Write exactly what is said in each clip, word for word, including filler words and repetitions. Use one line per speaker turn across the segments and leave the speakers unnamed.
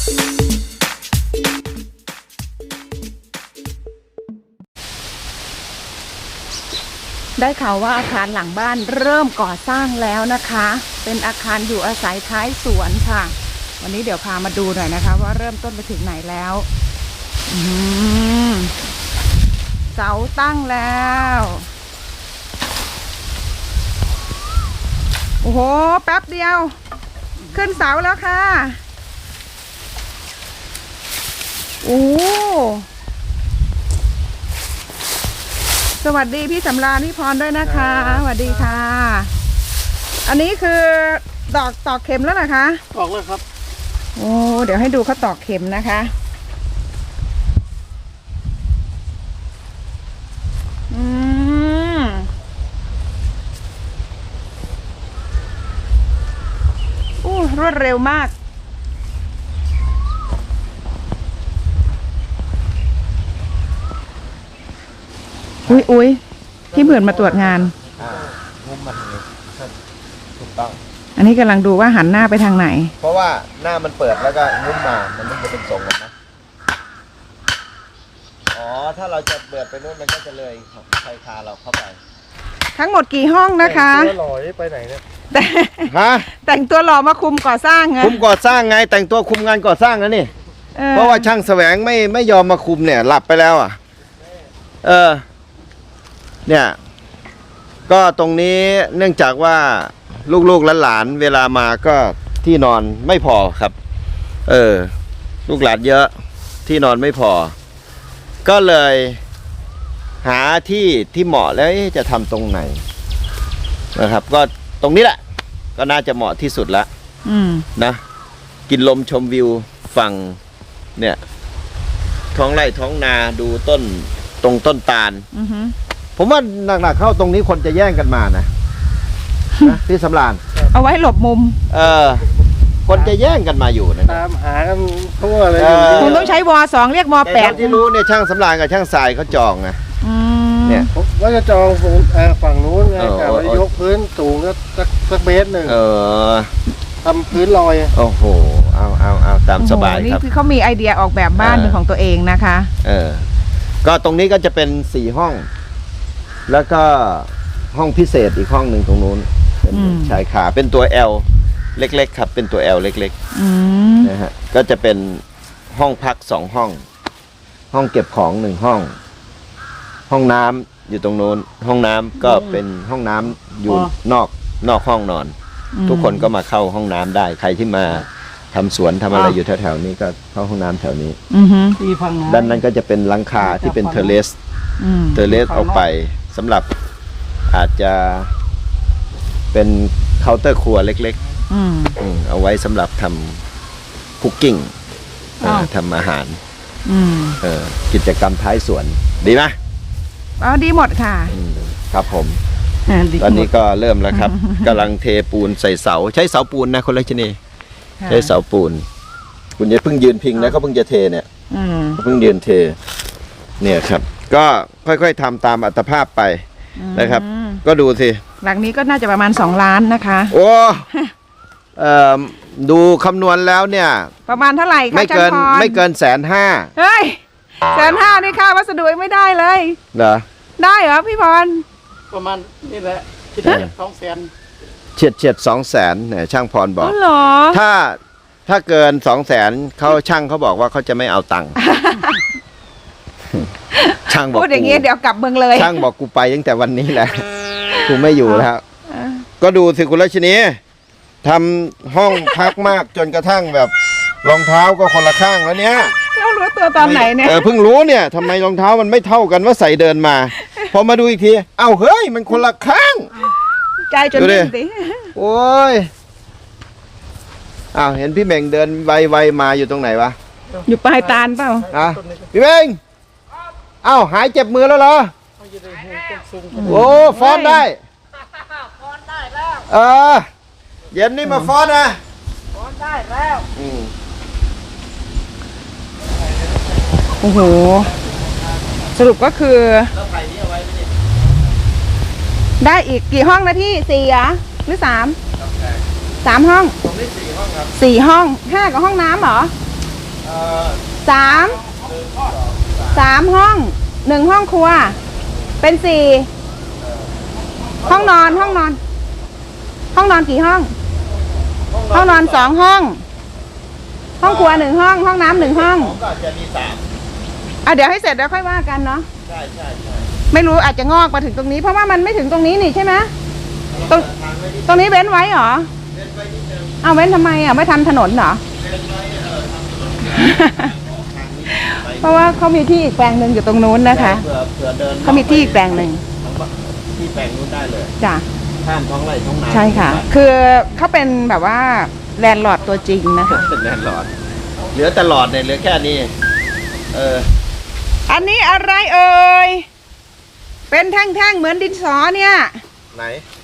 ได้ข่าวว่าอาคารหลังบ้านเริ่มก่อสร้างแล้วนะคะเป็นอาคารอยู่อาศัยท้ายสวนค่ะวันนี้เดี๋ยวพามาดูหน่อยนะคะว่าเริ่มต้นไปถึงไหนแล้วอืมเสาตั้งแล้วโอ้โหแป๊บเดียวขึ้นเสาแล้วค่ะโอ้สวัสดีพี่สำราญพี่พรด้วยนะคะสวัสดีค่ะอันนี้คือตอกตอกเข็มแล้วนะคะ
ตอกแล้วครับ
โอ้เดี๋ยวให้ดูเขาตอกเข็มนะคะอืมอู้รวดเร็วมากอุ้ยอุ้ยที่เบื่อมาตรวจงาน
อ่ามุมมันถูกต้อง
อันนี้กำลังดูว่าหันหน้าไปทางไหน
เพราะว่าหน้ามันเปิดแล้วก็มุมมามันต้องจะเป็นทรงกันนะอ๋อถ้าเราจะเปิดไปนู้นมันก็จะเลยชายคาเราเข้าไป
ทั้งหมดกี่ห้องนะคะ
แต่งตัวหล่อไปไหนเนี่ย
แต่ฮะแต่งตัวหล่อมาคุมก่อสร้างไง
คุมก่อสร้างไงแต่งตัวคุมงานก่อสร้างนะนี่เพราะว่าช่างแสวงไม่ไม่ยอมมาคุมเนี่ยหลับไปแล้วอ่ะเออเนี่ยก็ตรงนี้เนื่องจากว่าลูกๆหลานๆเวลามาก็ที่นอนไม่พอครับเออลูกหลานเยอะที่นอนไม่พอก็เลยหาที่ที่เหมาะแล้วจะทำตรงไหนนะครับก็ตรงนี้แหละก็น่าจะเหมาะที่สุดละนะกินลมชมวิวฝั่งเนี่ยท้องไร่ท้องนาดูต้นตรงต้นตาลผมว่าหนักๆเข้าตรงนี้คนจะแย่งกันมานะนะพี่สำราญ
เอาไว้หลบมุม
เออคนจะแย่งกันมาอยู่นะ
ตามหากันทั่วเลย
คุณต้องใช้วอสองเรียกวอแปด
ที่รู้เนี่ยช่างสำราญกับช่างทรายเขาจองไง
เนี่ยว่าจะจองฝั่งนู้นไงแต่ว่ายกพื้นสูงก็สักเมตรหนึ่ง
เออ
ทำพื้นลอย
โอ้โหเอาเอาเอาตามสบายครับ
นี่คือเขามีไอเดียออกแบบบ้านเป็นของตัวเองนะคะ
เออก็ตรงนี้ก็จะเป็นสี่ห้องแล้วก็ห้องพิเศษอีกห้องหนึ่งตรงนู้นเป็นชายคาเป็นตัว L เล็กๆครับเป็นตัว L เล็กๆนะฮะก็จะเป็นห้องพักสองห้องห้องเก็บของหนึ่งห้องห้องน้ำอยู่ตรงโน้นห้องน้ำก็เป็นห้องน้ำอยู่นอกนอกห้องนอนทุกคนก็มาเข้าห้องน้ำได้ใครที่มาทำสวนทำอะไรอยู่แถวๆนี้ก็เข้าห้องน้ำแถวนี้ด้านนั้นก็จะเป็นหลังคาที่เป็นเทเลสเทเลสออกไปสำหรับอาจจะเป็นเคาน์เตอร์ครัวเล็กๆเอาไว้สำหรับทำคุกกิ้งทำอาหารกิจกรรมท้ายสวนดีไหม
อ๋อดีหมดค่ะ
ครับผมตอนนี้ก็เริ่มแล้วครับกำลังเทปูนใส่เสาใช้เสาปูนนะคนละชนิดใช้เสาปูนคุณอย่าเพิ่งยืนพิงนะเขาเพิ่งจะเทเนี่ยเพิ่งยืนเทเนี่ยครับก็ค่อยๆทำตามอัตภาพไปนะครับก็ดูสิ
หลังนี้ก็น่าจะประมาณสองล้านนะคะ
โอ้เอ่อดูคำนวณแล้วเนี่ย
ประมาณเท่าไหร่คะ
ไม่เกินไม่เกินแสนห้า
เฮ้ยแสนห้านี่ค่าวัสดุไม่ได้เลย
เหรอ
ได้เหรอพี่พร
ประมาณนี่แหละคิดว่าสองแสน
เฉียดเฉียดสองแสนเนี่ยช่างพรบอก
เหรอ
ถ้าถ้าเกินสองแสนเขาช่างเขาบอกว่าเขาจะไม่เอาตังค์ช่างบอก
พูดอย่างงี้เดี๋ยวกลับเมืองเลย
ช่างบอกกูไปตั้งแต่วันนี้แหละกูไม่อยู่แล้วก็ดูสิคุณรัชนีทำห้องพักมากจนกระทั่งแบบรองเท้าก็คนละข้างแล้วเนี้ย
เรารู้ตัวตอนไหนเนี่ย
เออเพิ่งรู้เนี่ยทำไมรองเท้ามันไม่เท่ากันว่าใส่เดินมาพอมาดูอีกทีเอ้าเฮ้ยมันคนละข้าง
ใจจนดิ้นสิ
โอ้ยอ้าวเห็นพี่เม่งเดินไวๆมาอยู่ตรงไหนวะ
อยู่ปลายตาลเปล่า
อ่ะพี่เม่งเอ้าหายเจ็บมือแล้วเหรอโอ้ฟ้อนได้ฟ้อนได้แล้วเออเย็นนี่มาฟ้อนนะฟ้อนได้แล้ว
โอ้โหสรุปก็คือได้อีกกี่ห้องนะที่สี่อ่ะหรือสามสามห้อง
ตรงนี้สี่ห้องครับ
สี่ห้องห้ากับห้องน้ำเหรอ
เอ่อ
สามสามห้องหนึ่งห้องครัว เป็นสี่ห้องนอนห้องนอน ห้องนอนกี่ห้อง ห้องนอนสองห้อง ห้องครัวหนึ่งห้อง ห้องน้ำหนึ่งห้อง
ก็จะมีสาม
อ่ะเดี๋ยวให้เสร็จแล้วค่อยว่ากันเนาะ
ใช่ใช่ใช่
ไม่รู้อาจจะงอกมาถึงตรงนี้ เพราะว่ามันไม่ถึงตรงนี้นี่ใช่ไหมตรงตรงนี้เว้นไว้เหรอเอาเว้นทำไมอ่ะไม่ทำถนนเหรอ เพราะว่าเขามีที่อีกแปลงหนึ่งอยู่ตรงนู้นนะคะ
เผื่อเผื่อเดิน
เขามีที่อีกแปลงหนึ่ง
ที่แปลงนู้นได้เลย
จ้ะ
ข้ามท้องไร่ท้องนา
ใช่ค่ะ คือเขาเป็นแบบว่าแลนด์ลอร์ดตัวจริงนะคะ
เป็นแน่นหลอด เหลือแต่หลอดเนี่ยเหลือแค่นี้ เออ
อันนี้อะไรเอ่ย เป็นแท่งๆเหมือนดินสอเนี่ย
ไหน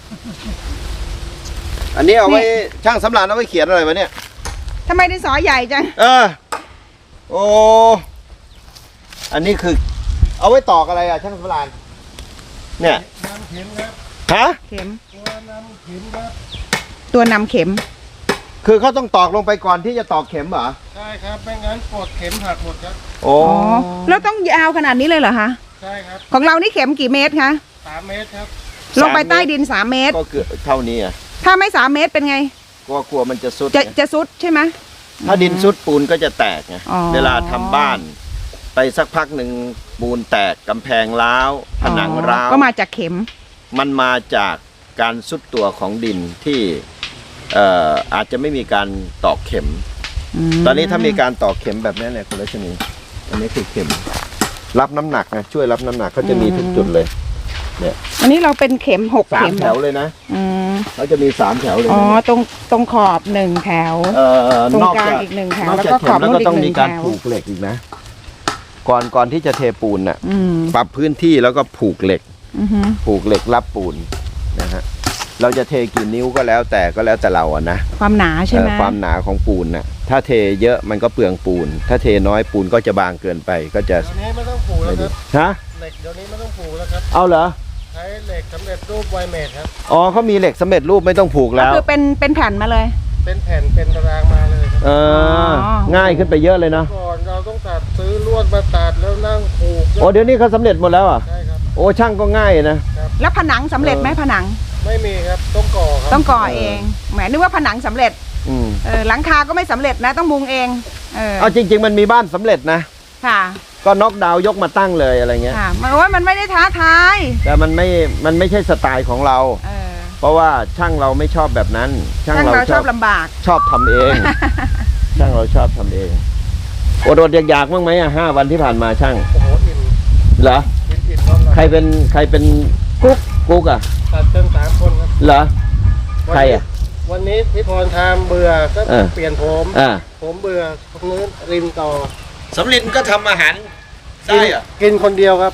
อันนี้เอาไว้
นี่
ช่างสำรานเอาไว้เขียนอะไรวะเนี่ย
ทำไมดินสอใหญ่จัง
เออ โอ้ อันนี้คือ เอาไว้ตอกอะไรอะช่างสำรานเนี่ย
น้ำเข็มครับ
ฮะ
เข็ม
ตัวน้ำเข็มครับ
ตัวนำเข็ม
คือเขาต้องตอกลงไปก่อนที่จะตอกเข็มเหรอ
ใช่ครับไม่งั้นกดเข็มหักหมดครับ
โอ้
อ๋อ แล้วต้องยาวขนาดนี้เลยเหรอคะ
ใช่ครับ
ของเรานี่เข็มกี่เมตรคะ
สามเมตรครับ
ลงไปใต้ดินสามเมตร
ก็คือเท่านี้อ่ะ
ถ้าไม่สามเมตรเป็นไง
กลัวกลัวมันจะสุด
จะ
ไง
จะซุดใช่ไหม
ถ้าดินสุดปูนก็จะแตกไง
อ๋อ
เวลาทำบ้าน ไปสักพักหนึ่งปูนแตกกำแพงร้าวผนังร้าว
ก็มาจากเข็ม
มันมาจากการซุดตัวของดินที่เอ่ออาจจะไม่มีการตอกเข็ม
ม
ตอนนี้ถ้ามีการตอกเข็มแบบนี้เนี่ยคุณรัชนีอันนี้คือเข็ม รับน้ำหนักนะช่วยรับน้ำหนักเขาจะมีทุกจุดเลย เนี่ย
อันนี้เราเป็นเข็มหก
สาม
เข็ม
แถวเลยนะ
อืม
เขาจะมีสามแถวเลย
อ๋อ
นะ
ตรงตรงขอบหนึ่งแถว
เอ่อ
ตรง
นอก
กลาง
จาก
อีกหนึ่งแถวน
อก
แล้ว
จาก
ก็
เข็
ขอ
ม
บ
แล้ว
นู้น
ก็
อี
ต้อง
กห
มี
นึ่ง
การ
แถว
ผูกเหล็กอีกนะ ก่อนก่อนที่จะเทปูนน่ะ
อืม
ปรับพื้นที่แล้วก็ผูกเหล็ก
อือฮึ
ผูกเหล็กรับปูนนะฮะเราจะเทกี่นิ้วก็แล้วแต่ก็แล้วแต่เราอะนะ
ความหนาใช่ไหม
เอ่อความหนาของปูนน่ะถ้าเทเยอะมันก็เปลืองปูน ถ้าเทน้อยปูนก็จะบางเกินไปก็จะ
เดี๋ยวนี้ไม่ต้องผูกแล้ว
ไม่
ค
ดี
รับ
ฮะ
เหล็กเดี๋ยวนี้ไม่ต้องผูกแล้วครับ
เอาเหรอ
ใช้เหล็กสำเร็จรูปไวเมทครับ
อ๋อเขามีเหล็กสำเร็จรูปไม่ต้องผูก
ก็
แล้ว
คือเป็นเป็นแผ่นมาเลย
เป็นแผ่นเป็นตารางมาเลยครับ
เออ
อ๋อ
ง่ายขึ้นไปเยอะเลยเนาะ
ก่อนเราต้องตัดซื้อลวดมาตัดแล้วนั่งผูก
โอ้เดี๋ยวนี้เขาสำเร็จหมดแล้วอ่ะ
ใช่ครับ
โอ้ช่างก็ง่ายนะ
แล้วผนังสำเร็จไหม
เออ
ผนัง
ไม่มีครับต้องก่อครับ
ต้องก่อเองแหมนึกว่าผนังสำเร็จ
อืม
เออหลังคาก็ไม่สำเร็จนะ ต้องมุงเองเออ
เอาจริง ๆ มันมีบ้านสำเร็จนะ
ค่ะ
ก็น็อกดาวน์ยกมาตั้งเลยอะไรเงี้ย
ค่ะมันว่ามันไม่ได้ท้าทาย
แต่มันไม่มันไม่ใช่สไตล์ของเรา
เออ
เพราะว่าช่างเราไม่ชอบแบบนั้น ช่าง
ช่าง
เรา
เรา
ช
ช
อ
อ
บบ
ลำบาก
ชอบทำเอง ช่างเราชอบทำเองอดอดๆอยากๆบ้างไหมอ่ะห้าวันที่ผ่านมาช่าง
โอ้โหอิ่ม
เหรอ
อิ่มอิ่มพร้อม
ใครเป็นใครเป็นกุ๊กกุ๊กอ่ะ
ตัดเติมสามคนครับ
เหรอ ใครอ่ะ
วันนี้พี่พรทำเบื่อก็
เออ
เปลี่ยนผม
อ่า
ผมเบื่อคนนู้นริมต่อ
สำลินก็ทำอาหาร
กินกินคนเดียวครับ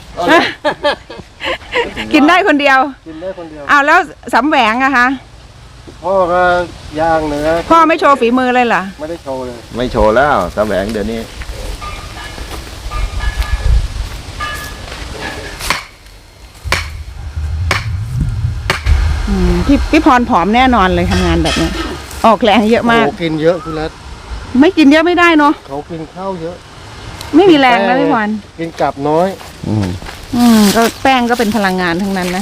กินได้คนเดียว
กินได้คนเดียว
อ้าวแล้วสำแหวงอะคะ
พ่อก็ย่างเนื้อ
พ่อไม่โชว์ฝีมือเลยเหรอ
ไม่ได้โชว์เลย
ไม่โชว์แล้วแสวงเดี๋ยวนี้
อืมพี่พี่พรผอมแน่นอนเลยทำงานแบบเนี้ยออกแรงเยอะมาก
โอ้กินเยอะคุณรัต
ไม่กินเยอะไม่ได้เนาะ
เขากินข้าวเยอะ
ไม่มีแรงนะพี่พร
กินกลับน้อย
อืม
อืมก็แป้งก็เป็นพลังงานทั้งนั้นนะ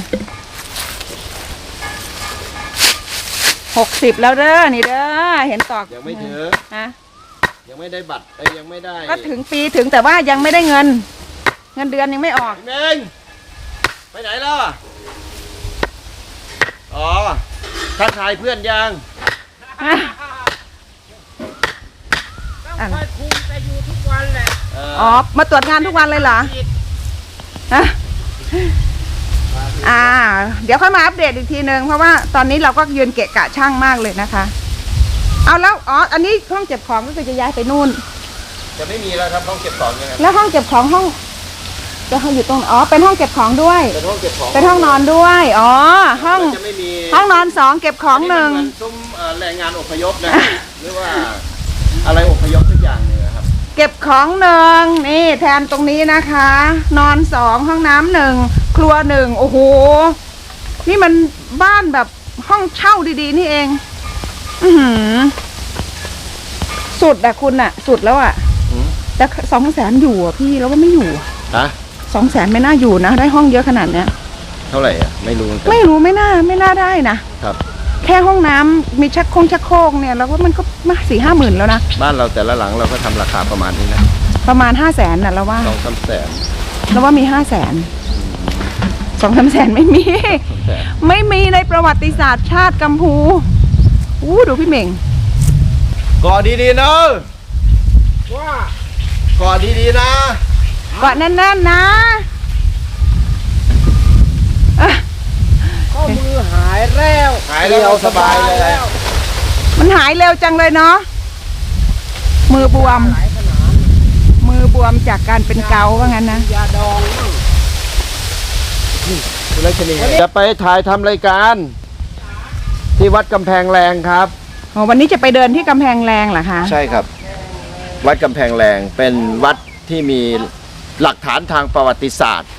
หกสิบแล้วเด้อนี่เด้อเห็นตอก
ยังไม่ถึง
ฮะ
ยังไม่ได้บัตรเอ้ยยังไม่ได้
ก็ถึงปีถึงแต่ว่ายังไม่ได้เงิน เงินเดือนยังไม่ออก
เมงไปไหนแล้วอ่ะอ๋อทักทายเพื่อนยัง
อ่ะ
ค่อยคุมแต่อยู่ทุกวันแหละ
เออ
อ๋อมาตรวจงานทุกวันเลยเหรอฮะอ่า เดี๋ยวค่อยมาอัปเดตอีกทีนึงเพราะว่าตอนนี้เราก็ยืนเกะกะช่างมากเลยนะคะ เอาแล้วอ๋ออันนี้ห้องเก็บของก็คือจะย้ายไปนู่น
จะไม่มีแล้วครับห้องเก็บของยังไง
แล้วห้องเก็บของห้องจะอยู่ตรงอ๋อเป็นห้องเก็บของด้วย
เป็นห้องเก็บของ
เป็นห้องนอนด้วยอ๋อห้อง
มันจะไม่มี
ห้องนอนสองเก็บของหนึ่ง
มัเหมือซุ้มเอ่อแรงงานอพยพนะ หรือว่าอะไรอพยพทุกอย่างเนี่ยครับ
เก็บของหนึ่งนี่แทนตรงนี้นะคะ นอนสองห้องน้ำหนึ่งครัวหนึ่งโอ้โหนี่มันบ้านแบบห้องเช่าดีๆนี่เอง อือหือสุดอะคุณอะสุดแล้วอะ
อืม
แต่สองแสนอยู่อ่ะพี่แล้วว่าไม่อยู่
ฮะ
สองแสนไม่น่าอยู่นะ ได้ห้องเยอะขนาดเนี้ย
เท่าไหร่อ่ะไม่รู้เหมือนกัน
ไม่รู้ไม่น่าไม่น่าได้นะครับ แค่ห้องน้ำมีชักโครงชักโครกเนี่ยแล้วว่ามันก็มาสี่ห้าหมื่นแล้วนะ
บ้านเราแต่ละหลังเราก็ทำราคาประมาณนี้นะ
ประมาณห้าแสนน่ะแล้วว่า
สองสามแสน
แล้วว่ามีห้าแสนสองสามแสนไม่มี
แสน
ไม่มีในประวัติศาสตร์ชาติกัมพูอู้ดูพี่เหม่ง
ก่อดีๆนะว่าก่อดีๆนะ
เกาะแน่นๆนะอ่ะ
ข้อมือหายแล้ว
หายแล้วเราสบายเลย
มันหายเร็วจังเลยเนาะมือบวม
หลายขนาด
มือบวมจากการเป็นเกาต์ว่างั้นนะ
ยาดองมั่ง
คุณรัชนีจะไปถ่ายทำรายการ ที่วัดกำแพงแรงครับ
อ๋อวันนี้จะไปเดินที่กำแพงแรงเหรอคะ
ใช่ครับ วัดกำแพงแรงเป็นวัดที่มีหลักฐานทางประวัติศาสตร์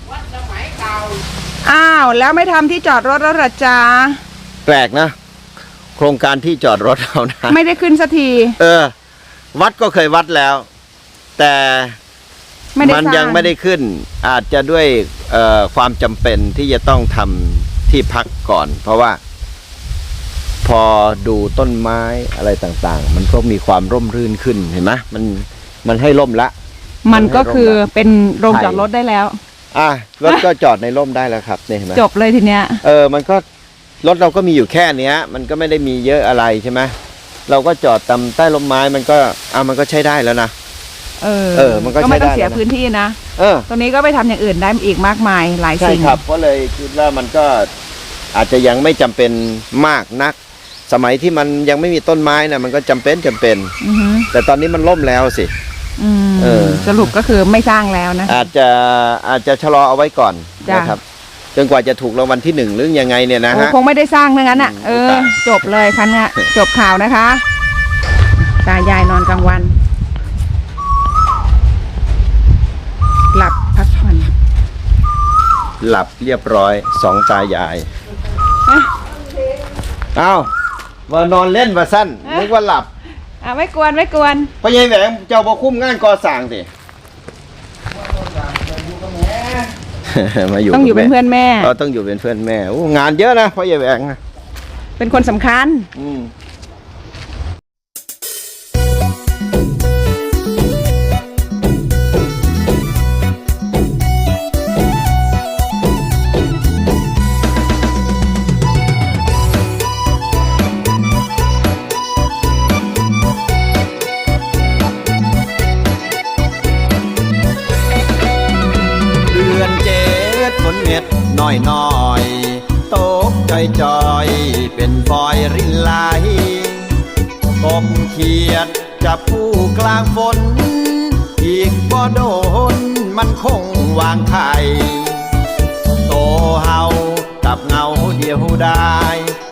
อ้าวแล้วไม่ทำที่จอดรถแล้วเหรอจ๊ะ
แปลกนะ โครงการที่จอดรถเรานะ
ไม่ได้ขึ้นสักที
เออ วัดก็เคยวัดแล้ว แต่
ไม่ได้
มัน
สร้าง
ยังไม่ได้ขึ้น อาจจะด้วยเอ่อความจำเป็นที่จะต้องทำที่พักก่อน เพราะว่า พอดูต้นไม้อะไรต่างๆ มันก็มีความร่มรื่นขึ้นเห็นไหมมันมันให้ร่มละ
มันก็คือเป็นโรงจอดรถได้แล้ว
อ่ะรถก็จอดในร่มได้แล้วครับเนี่ยเห็นไหม
จบเลยทีเนี้ย
เออมันก็รถเราก็มีอยู่แค่เนี้ย มันก็ไม่ได้มีเยอะอะไรใช่ไหมเราก็จอดตามใต้ร่มไม้มันก็อ่ะมันก็ใช้ได้แล้วนะ
เออ
เออมันก็
ไม่ต้อง
ใช้ได้
เสีย
แล้วนะ
พื้นที่นะ
เออ
ตรงนี้ก็ไปทำอย่างอื่นได้อีกมากมายหลาย
ใช่
สิ่ง
ครับก็เลยคิดว่ามันก็อาจจะยังไม่จำเป็นมากนัก สมัยที่มันยังไม่มีต้นไม้นะมันก็จำเป็นจำเป็น
อือฮึ
แต่ตอนนี้มันล่มแล้วสิ
อืม
เออ
สรุปก็คือไม่สร้างแล้วนะ
อาจจะอาจจะชะลอเอาไว้ก่อน
จ้ะ
นะครับจนกว่าจะถูกรางวัลที่หนึ่งหรือยังไงเนี่ยนะ
โอ้
ฮะ
คงไม่ได้สร้างทั้งนั้นอ่ะ เออ
ตาย
จบเลยคันน่ะจบข่าวนะคะ ตายายนอนกลางวัน หลับพักผ่อน
หลับเรียบร้อยสองตายาย
เอ๊ะ
เอ้าว่านอนเล่นว่าสั้นนึกว่าหลับ
อ่ะไม่กวนไม่กวน
พ่อใหญ่แหวงเจ้าบ่คุ้มงานก่อสร้างสิ มาอยู่
ต้องอยู่
กับ
เป็นเพื่อนแม่
เราต้องอยู่เป็นเพื่อนแม่โอ้งานเยอะนะพ่อใหญ่แหวงนะ
เป็นคนสำคัญ
อืม เดือนเจ็ดฝนเม็ดน้อยน้อยตกจอยจอยเป็นฟอยรินไหลกบเขียดจับผู้กลางฝน อีกบ่โดนมันคงวางไข่โตเฮากับเงาเดียวได้